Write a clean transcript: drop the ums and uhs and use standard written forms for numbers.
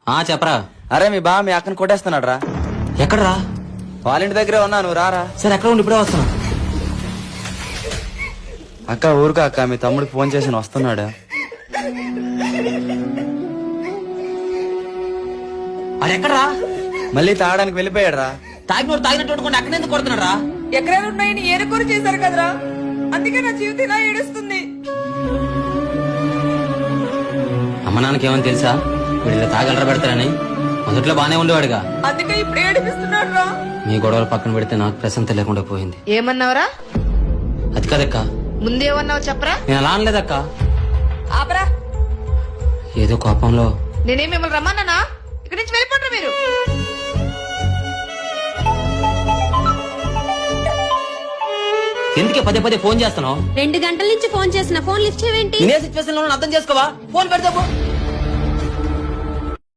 చెప్పరా. అరే మీ బా మీ అక్కని కొట్టేస్తున్నాడు రా. ఎక్కడరా? వాళ్ళ ఇంటి దగ్గరే ఉన్నా, నువ్వు రారా. సరే ఎక్కడ ఉండి ఇప్పుడే వస్తున్నా. అక్క ఊరుకో అక్క, మీ తమ్ముడికి ఫోన్ చేసి వస్తున్నాడు. అది ఎక్కడరా? మళ్ళీ తాగడానికి వెళ్ళిపోయాడు రా. తాగినోడు తాగినట్టు వండుకోండి, అక్కడ ఎందుకు కొడుతున్నాడు రా? ఎకరాలు ఉన్నాయని ఏరుకోరు చేశారు కదరా, అందుకే నా జీవితం ఇలా ఏడుస్తుంది. అమ్మ నాన్నకి ఏమని తెలుసా వీళ్ళు తాగలరా పెడతారని? మొదట్లో బానే ఉండేవాడుగా, అందుకే ఇప్పుడు ఏడిపిస్తున్నాడు రా. మీ గొడవలు పక్కన పెడితే నాకు ప్రశాంతత లేకుండా పోయింది. ఏమన్నావురా? అది కదక్క, ముందేమన్నావు చెప్పరా? నేను అలా అనలేదక్క. ఆపరా. ఏదో కోపంలో. నేనేం మిమ్మల్ని రమ్మన్నానా? ఇక్కడి నుంచి వెళ్ళిపోండి మీరు. ఎందుకే పదే పదే ఫోన్ చేస్తున్నావు? 2 గంటల నుంచి ఫోన్ చేసిన ఫోన్ లిఫ్ట్ చేయవేంటి? ఇదే సిచ్యువేషన్ లో అర్థం చేసుకోవా? ఫోన్ పెడతావు.